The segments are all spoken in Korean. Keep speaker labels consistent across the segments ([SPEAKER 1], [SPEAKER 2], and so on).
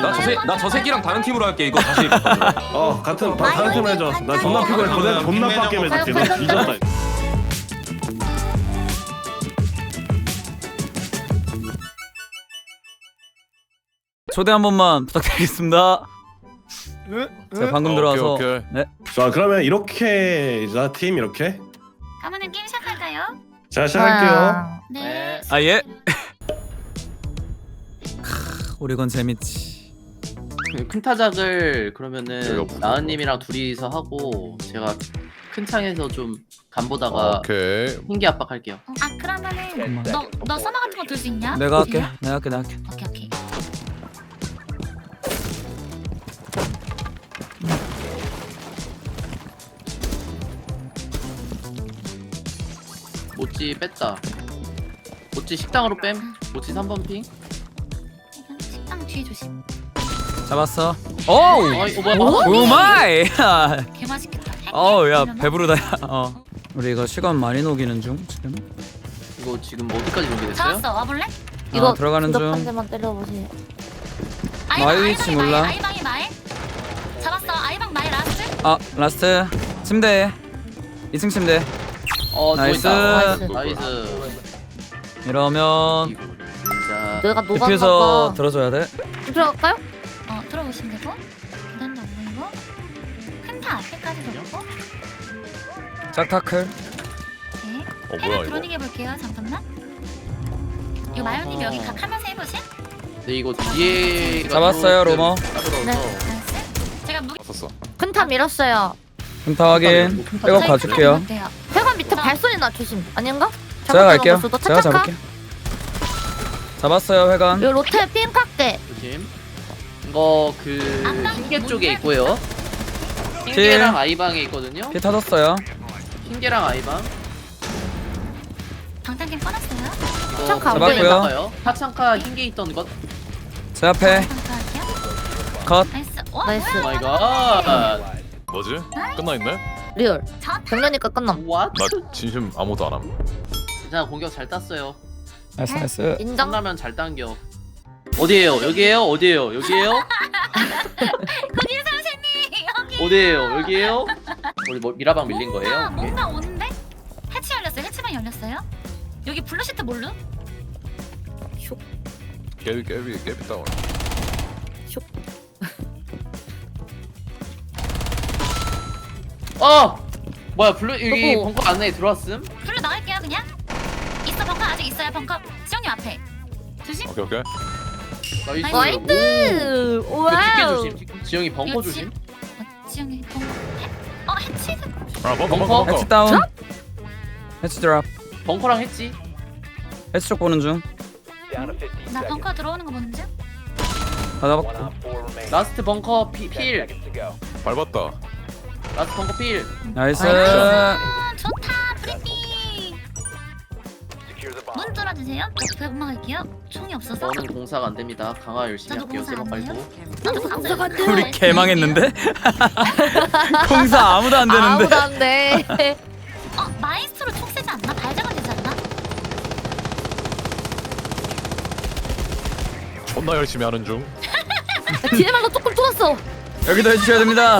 [SPEAKER 1] 나 저 새끼랑 다른 팀으로 할게. 이거 다시.
[SPEAKER 2] 같은 다른 팀 해줘. 나 존나 피곤해. 존나 빡게 해줄게. 나 뒤졌다.
[SPEAKER 3] 초대 한 번만 부탁드리겠습니다. 제가 방금 들어와서.
[SPEAKER 4] 오케이.
[SPEAKER 3] 네.
[SPEAKER 2] 자 그러면 이렇게 자 팀 이렇게
[SPEAKER 5] 그러면은 게임 시작할까요?
[SPEAKER 2] 자 시작할게요.
[SPEAKER 5] 네.
[SPEAKER 3] 아 예. 오리건 재밌지.
[SPEAKER 6] 큰 타작을
[SPEAKER 4] 여기가
[SPEAKER 6] 그러면은
[SPEAKER 4] 부족하다.
[SPEAKER 6] 나은님이랑 둘이서 하고 제가 큰 창에서 좀 간보다가
[SPEAKER 4] 오케이.
[SPEAKER 6] 흰기 압박할게요.
[SPEAKER 5] 아 그러면은 너 서머 같은 거 들 수 있냐?
[SPEAKER 3] 내가 할게.
[SPEAKER 5] 되냐?
[SPEAKER 3] 내가 할게.
[SPEAKER 5] 오케이 오케이.
[SPEAKER 6] 모찌 뺐다. 모찌 식당으로 뺨. 모찌 3번 핑.
[SPEAKER 5] 이건 식당 뒤에 조심.
[SPEAKER 3] 잡았어. 오우.
[SPEAKER 6] 어이 뭐야?
[SPEAKER 3] 오마이.
[SPEAKER 5] 개 맛있겠다.
[SPEAKER 3] 어야 배부르다. 우리 이거 시간 많이 녹이는 중 지금.
[SPEAKER 6] 이거 지금 뭐 어디까지 준비됐어요?
[SPEAKER 5] 잡았어. 와볼래?
[SPEAKER 3] 이거 들어가는
[SPEAKER 7] 한
[SPEAKER 3] 중.
[SPEAKER 7] 대만 때려보세요.
[SPEAKER 3] 마이 위치 몰라.
[SPEAKER 5] 아이방이 마에. 잡았어. 아이방 마에 라스트.
[SPEAKER 3] 라스트 침대. 2층 침대.
[SPEAKER 6] 나이스.
[SPEAKER 3] 나이스.
[SPEAKER 6] 나이스.
[SPEAKER 3] 이러면
[SPEAKER 6] 진짜
[SPEAKER 7] 내가
[SPEAKER 3] 디퓨저
[SPEAKER 7] 녹았나봐.
[SPEAKER 3] 들어줘야 돼.
[SPEAKER 7] 들어갈까요?
[SPEAKER 5] 들어오시면 되고. 계단도 안 보이고. 큰타 앞에까지 들어오고.
[SPEAKER 3] 짝타클.
[SPEAKER 5] 오케이.
[SPEAKER 4] 뭐야,
[SPEAKER 5] 해를
[SPEAKER 4] 이거?
[SPEAKER 5] 드로닝 해볼게요. 잠깐만. 이거 마요님 여기 각 하면서 해보실?
[SPEAKER 6] 근데 이거 뒤에
[SPEAKER 3] 잡았어요, 로머.
[SPEAKER 7] 네.
[SPEAKER 5] 나이스. 제가 무기
[SPEAKER 4] 봤었어.
[SPEAKER 7] 큰타 밀었어요.
[SPEAKER 3] 금타 확인. 백업 가줄게요.
[SPEAKER 7] 회관 밑에 발소리 나 조심. 아닌가?
[SPEAKER 3] 제가 갈게요.
[SPEAKER 7] 너
[SPEAKER 3] 제가 잡을게요. 잡았어요 회관.
[SPEAKER 7] 요 로테 핑크게.
[SPEAKER 6] 조심. 이거 그
[SPEAKER 5] 앞방이
[SPEAKER 6] 흰개
[SPEAKER 5] 뭔데?
[SPEAKER 6] 쪽에 있고요. 흰개랑 아이방에 있거든요.
[SPEAKER 3] 피 터졌어요.
[SPEAKER 6] 흰개랑 아이방.
[SPEAKER 5] 방탄캠 꺼놨어요.
[SPEAKER 6] 이거
[SPEAKER 7] 창카 안
[SPEAKER 3] 잡았고요.
[SPEAKER 6] 나가요. 하창카 흰개 있던 것.
[SPEAKER 3] 제 앞에
[SPEAKER 5] 방탄할게요.
[SPEAKER 3] 컷.
[SPEAKER 5] 나이스. 와
[SPEAKER 7] 나이스.
[SPEAKER 6] 오
[SPEAKER 5] 뭐야?
[SPEAKER 6] 마이 갓.
[SPEAKER 4] 뭐지? 끝나 있네?
[SPEAKER 7] 리얼.
[SPEAKER 5] 저
[SPEAKER 7] 정면이니까 끝남.
[SPEAKER 6] 왓?
[SPEAKER 4] 나 진심 아무도 안 함.
[SPEAKER 6] 괜찮아 공격 잘 땄어요.
[SPEAKER 3] 나이스 나이스.
[SPEAKER 7] 인정.
[SPEAKER 6] 끝나면 잘 당겨. 어디에요? 여기에요? 어디에요? 여기에요?
[SPEAKER 5] 거기 선생님 여기.
[SPEAKER 6] 어디에요? 여기에요? 우리 뭐 미라방 밀린 거예요? 이게?
[SPEAKER 5] 뭔가 오는데? 해치 열렸어요. 해치방 열렸어요. 여기 블루시트 몰루?
[SPEAKER 4] 깨비 다운.
[SPEAKER 6] 뭐야 블루 여기
[SPEAKER 7] 여보.
[SPEAKER 6] 벙커 안에 들어왔음?
[SPEAKER 5] 블루 나갈게요 그냥. 있어 벙커 아직 있어요 벙커. 지영님 앞에. 조심.
[SPEAKER 4] 오케이.
[SPEAKER 6] 나이스.
[SPEAKER 5] 나이스.
[SPEAKER 7] 나이스.
[SPEAKER 6] 오. 이거 뒷개
[SPEAKER 7] 와우.
[SPEAKER 6] 조심. 지영이 벙커
[SPEAKER 5] 이거
[SPEAKER 6] 조심.
[SPEAKER 5] 지영이 벙커. 해치.
[SPEAKER 6] 벙커?
[SPEAKER 3] 해치 다운. 해치 드랍.
[SPEAKER 6] 벙커랑 했지?
[SPEAKER 3] 해치 쪽 보는 중.
[SPEAKER 5] 나 벙커 들어오는 거 보는 중.
[SPEAKER 3] 다 잡았고.
[SPEAKER 6] 라스트 벙커 필.
[SPEAKER 4] 밟았다.
[SPEAKER 6] 라스트 벙커 필.
[SPEAKER 3] 나이스.
[SPEAKER 5] 좋다 프리핑. 문 뚫어주세요. 저 배고파 갈게요. 총이 없어서.
[SPEAKER 6] 저는 공사가 안 됩니다. 강화 열심히
[SPEAKER 5] 저도
[SPEAKER 6] 할게요.
[SPEAKER 5] 공사 안
[SPEAKER 6] 제발
[SPEAKER 5] 돼요?
[SPEAKER 6] 말고.
[SPEAKER 5] 나도
[SPEAKER 7] 공사가 안 돼.
[SPEAKER 3] 우리 개망했는데? 공사 아무도 안 되는데.
[SPEAKER 7] 아무도 안 돼.
[SPEAKER 5] 마이스트로 총 세지 않나? 발작은 되지 않나?
[SPEAKER 4] 존나 열심히 하는 중.
[SPEAKER 7] 뒤에 말도 조금 뚫었어.
[SPEAKER 3] 여기도 해주셔야 됩니다.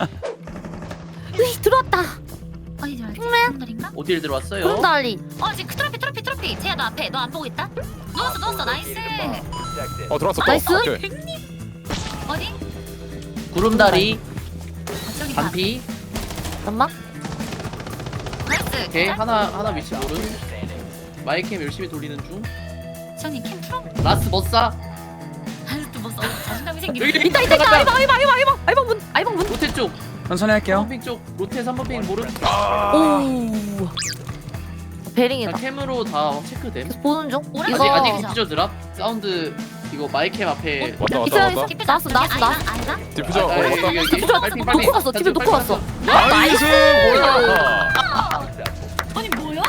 [SPEAKER 7] 으이 들어왔다.
[SPEAKER 5] 어디 들어왔지?
[SPEAKER 7] 핑맨.
[SPEAKER 5] 핑맨인가?
[SPEAKER 6] 어딜 들어왔어요?
[SPEAKER 7] 구름다리.
[SPEAKER 5] 지금 트로피. 제야 너 앞에. 너 안 보고 있다? 누웠어. 나이스.
[SPEAKER 4] 들어왔어.
[SPEAKER 7] 나이스.
[SPEAKER 4] 오케이.
[SPEAKER 5] 어디?
[SPEAKER 6] 구름다리
[SPEAKER 5] 저기 봐.
[SPEAKER 6] 반피.
[SPEAKER 7] 잠깐만.
[SPEAKER 5] 나이스.
[SPEAKER 6] 오케이 하나 위치 모름. 마이캠 열심히 돌리는 중.
[SPEAKER 5] 지영님 캠 풀어?
[SPEAKER 6] 라스트 머싸.
[SPEAKER 5] 아유 또뭐 자신감이 생기네.
[SPEAKER 6] 여기
[SPEAKER 7] 있다. 아이방 문.
[SPEAKER 6] 로테 쪽.
[SPEAKER 3] 천천히 할게요.
[SPEAKER 6] 3번 핑 쪽. 로테 3번 핑 모름.
[SPEAKER 7] 오. 베링이다.
[SPEAKER 6] 자, 캠으로 다 체크됨.
[SPEAKER 7] 계속 보는 중.
[SPEAKER 5] 오래
[SPEAKER 7] 이거
[SPEAKER 6] 아직 디퓨저 드랍. 사운드 이거 마이캠 앞에.
[SPEAKER 4] 왔다.
[SPEAKER 7] 나왔어.
[SPEAKER 5] 아이가?
[SPEAKER 4] 디퓨저
[SPEAKER 6] 아,
[SPEAKER 4] 왔다.
[SPEAKER 6] 여기.
[SPEAKER 7] 디퓨저
[SPEAKER 6] 빨리, 빨리.
[SPEAKER 7] 놓고 갔어. 집에 놓고 갔어.
[SPEAKER 4] 나이스. 뭐야?
[SPEAKER 5] 아니 뭐야?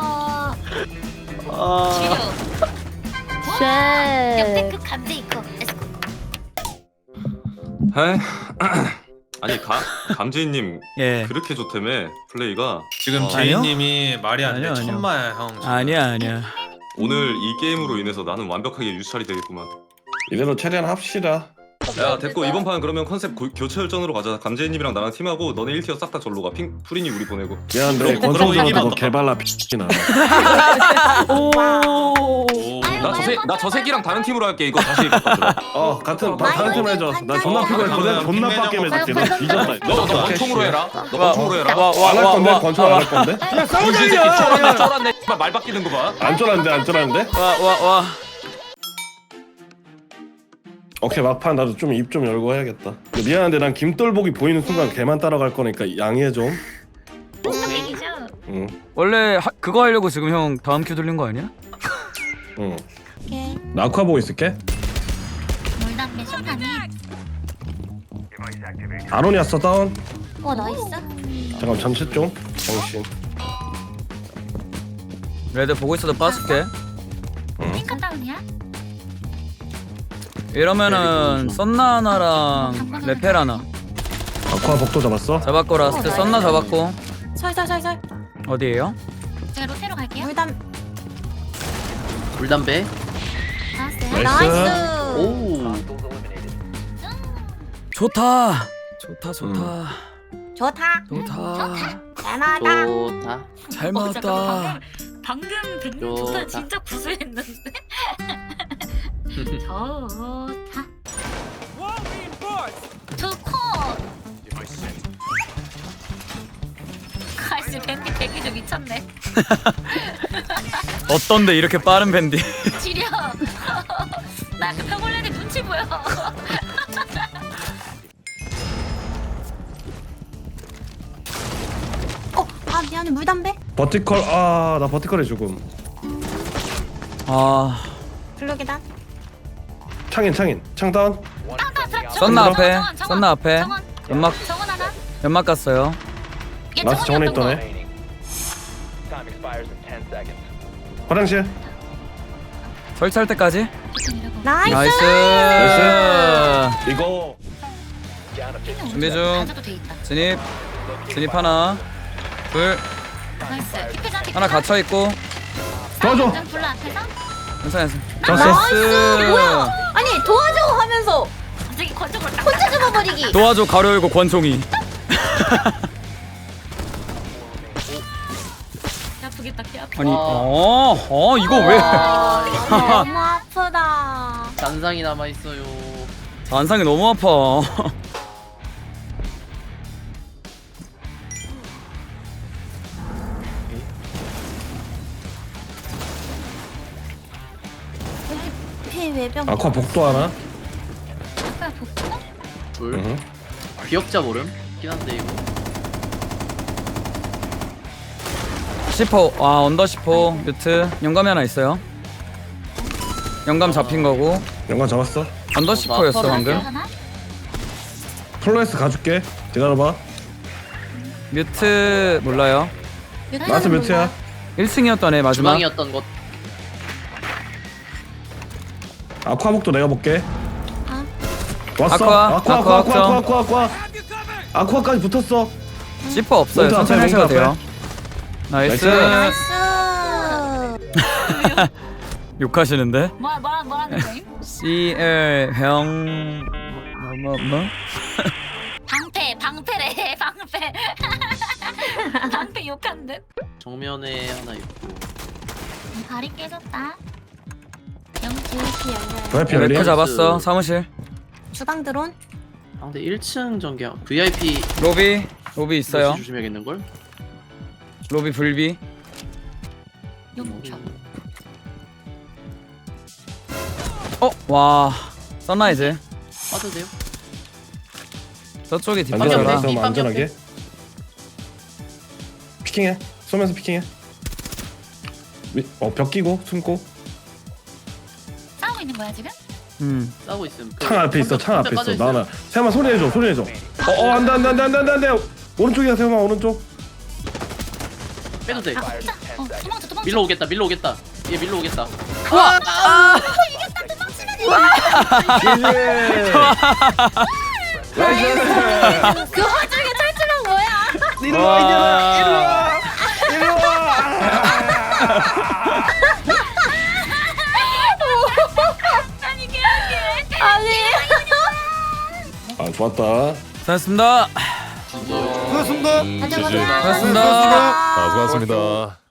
[SPEAKER 7] 쉣.
[SPEAKER 5] 역대급 감제 이거.
[SPEAKER 1] 에? 아니 감지인님
[SPEAKER 3] 예.
[SPEAKER 1] 그렇게 좋다며 플레이가.
[SPEAKER 8] 지금
[SPEAKER 1] 어.
[SPEAKER 8] 제이님이 말이 안 돼.
[SPEAKER 3] 아니요.
[SPEAKER 8] 천마야 형.
[SPEAKER 3] 아니야.
[SPEAKER 1] 오늘 이 게임으로 인해서 나는 완벽하게 유찰이 되겠구만.
[SPEAKER 2] 이대로 최대한 합시다.
[SPEAKER 1] 야 됐고 이번 판 그러면 컨셉 교체 열전으로 가자. 감재님이랑 나랑 팀하고 너네 1티어 싹 다 절로 가. 프린이 우리 보내고.
[SPEAKER 2] 미안한데
[SPEAKER 8] 그럼
[SPEAKER 2] 권총으로
[SPEAKER 8] 이기면
[SPEAKER 2] 너 개발라 피나.
[SPEAKER 1] 나 저 새끼랑 다른 팀으로 할게. 이거 다시 바꿔줘.
[SPEAKER 2] 같은 다른 팀 해줘. 나 존나 피곤해. 거대 존나 빡게 해줄게. 나 뒤졌다.
[SPEAKER 1] 너 권총으로 해라. 너 권총으로 해라.
[SPEAKER 2] 안 할 건데 권총 안 할 건데?
[SPEAKER 1] 이 새끼 쫄았네. 말 바뀌는 거 봐.
[SPEAKER 2] 안 쫄았는데?
[SPEAKER 3] 와.
[SPEAKER 2] 오케이 막판 나도 좀 입 좀 열고 해야겠다. 미안한데 난 김돌복이 보이는 순간 걔만 따라갈 거니까 양해 좀.
[SPEAKER 5] 무슨 얘기죠?
[SPEAKER 2] 응.
[SPEAKER 3] 원래 그거 하려고 지금 형 다음 큐 돌린 거 아니야?
[SPEAKER 2] 응.
[SPEAKER 5] 오케이.
[SPEAKER 2] 나 아쿠아 보고 있을게.
[SPEAKER 5] 물담배 쇼파니.
[SPEAKER 2] 아론이 왔어 다운.
[SPEAKER 5] 나이스.
[SPEAKER 2] 잠깐 전체 좀. 정신.
[SPEAKER 3] 레드 보고 있어도 빠질게.
[SPEAKER 5] 핑크 다운이야?
[SPEAKER 3] 이러면은 썬나 하나랑 레펠 하나
[SPEAKER 2] 아쿠아 복도 잡았어.
[SPEAKER 3] 잡았고 라스트 썬나 잡았고.
[SPEAKER 7] 설설설설.
[SPEAKER 3] 어디에요?
[SPEAKER 5] 제가 로테로 갈게요.
[SPEAKER 6] 물담배.
[SPEAKER 5] 나왔어요.
[SPEAKER 2] 나이스.
[SPEAKER 6] 오.
[SPEAKER 3] 좋다.
[SPEAKER 7] 좋다.
[SPEAKER 3] 좋다.
[SPEAKER 7] 잘나다.
[SPEAKER 6] 좋다.
[SPEAKER 3] 잘 맞았다.
[SPEAKER 5] 방금 백님
[SPEAKER 6] 좋다.
[SPEAKER 5] 좋다 진짜 구수했는데. 좋다. 좋고. 아이씨 밴디 대기 좀 미쳤네.
[SPEAKER 3] 어떤데 이렇게 빠른 밴디?
[SPEAKER 5] 지려. 나 그 평올레니 눈치 보여.
[SPEAKER 7] 미안해 물담배.
[SPEAKER 2] 버티컬 나 버티컬에 죽음.
[SPEAKER 3] 아
[SPEAKER 7] 블록이다.
[SPEAKER 2] 창인 창 다운.
[SPEAKER 3] 썬나 앞에 썬나 앞에
[SPEAKER 5] 정원.
[SPEAKER 3] 연막
[SPEAKER 5] 정원 하나.
[SPEAKER 3] 연막 갔어요.
[SPEAKER 5] 얘
[SPEAKER 2] 라스트 정원에
[SPEAKER 5] 정원이었던
[SPEAKER 2] 있더네. 화장실.
[SPEAKER 3] 설치할 때까지.
[SPEAKER 5] 거.
[SPEAKER 7] 나이스.
[SPEAKER 3] 나이스.
[SPEAKER 2] 이거
[SPEAKER 3] 준비 중.
[SPEAKER 5] 가져도 돼 있다.
[SPEAKER 3] 진입 하나 둘
[SPEAKER 5] 나이스. 피크장
[SPEAKER 3] 하나 갇혀 있고.
[SPEAKER 2] 도와줘.
[SPEAKER 5] 불러 앞에서.
[SPEAKER 3] 괜찮아.
[SPEAKER 7] 뭐야? 아니 도와줘 하면서
[SPEAKER 5] 갑자기 권총을 딱.
[SPEAKER 7] 혼자 잡아버리기.
[SPEAKER 3] 도와줘 가로 열고 권총이.
[SPEAKER 5] 아프겠다. 개 아파.
[SPEAKER 3] 아니 이거 왜?
[SPEAKER 7] 너무 아프다.
[SPEAKER 6] 잔상이 남아 있어요.
[SPEAKER 3] 안상이 너무 아파.
[SPEAKER 7] 피 외병.
[SPEAKER 2] 아쿠아 복도 하나.
[SPEAKER 5] 아까 복구?
[SPEAKER 6] 둘.
[SPEAKER 2] 응.
[SPEAKER 6] 기억자 모름. 있긴 한데 이거.
[SPEAKER 3] 10호 언더 10호 뮤트 영감이 하나 있어요. 영감 잡힌 거고
[SPEAKER 2] 연관 잡았어.
[SPEAKER 3] 언더 10호였어 방금.
[SPEAKER 5] 하나?
[SPEAKER 2] 플로레스 가줄게. 기다려봐.
[SPEAKER 3] 뮤트 몰라요.
[SPEAKER 2] 나한테 몇이야?
[SPEAKER 3] 1층이었던 애 마지막.
[SPEAKER 6] 주방이었던 것.
[SPEAKER 2] 아쿠아 복도 내가 볼게.
[SPEAKER 7] 아.
[SPEAKER 2] 왔어.
[SPEAKER 3] 아쿠아.
[SPEAKER 2] 아쿠아까지 붙었어.
[SPEAKER 3] 10호 없어요.
[SPEAKER 2] 몬트
[SPEAKER 3] 천천히
[SPEAKER 2] 앞에,
[SPEAKER 3] 하셔도
[SPEAKER 2] 몬트
[SPEAKER 3] 돼요. 나이스.
[SPEAKER 7] 나이스.
[SPEAKER 3] 욕하시는데?
[SPEAKER 5] 뭐라는 거임?
[SPEAKER 3] CL 형 뭐?
[SPEAKER 5] 방패래 방패. 방패 욕한 듯.
[SPEAKER 6] 정면에 하나 있고.
[SPEAKER 5] 발이 깨졌다.
[SPEAKER 7] 이렇게 열려.
[SPEAKER 2] VIP 열리.
[SPEAKER 3] 레크 잡았어. 사무실.
[SPEAKER 7] 주방 드론.
[SPEAKER 6] 상대 1층 전개. VIP
[SPEAKER 3] 로비 있어요.
[SPEAKER 6] 조심해야겠는 걸.
[SPEAKER 3] 로비 불비.
[SPEAKER 5] 용차.
[SPEAKER 3] 와 선라이즈.
[SPEAKER 6] 빠도 돼요?
[SPEAKER 3] 저쪽이
[SPEAKER 6] 안전하게.
[SPEAKER 3] 뒷바퀴라.
[SPEAKER 2] 안전하게. 안전하게. 피킹해. 쏘면서 피킹해. 벽 끼고 숨고.
[SPEAKER 5] 싸우고 있는 거야 지금?
[SPEAKER 6] 싸우고 있음.
[SPEAKER 2] 창 앞에 있어. 창 앞에 있어.
[SPEAKER 6] 빠져있어요.
[SPEAKER 2] 나나. 세마 소리 내줘. 안돼. 오른쪽이야 세마 오른쪽.
[SPEAKER 6] 빼도 돼.
[SPEAKER 5] 도망쳐.
[SPEAKER 6] 밀러 오겠다. 얘 밀러 오겠다.
[SPEAKER 7] 그 와중에 탈출한 뭐야?
[SPEAKER 3] 와.
[SPEAKER 5] 아니 개하게.
[SPEAKER 7] 아니.
[SPEAKER 2] 좋았다.
[SPEAKER 3] 수고하셨습니다.
[SPEAKER 4] 지지.
[SPEAKER 3] 수고하셨습니다.
[SPEAKER 4] 수고하셨습니다.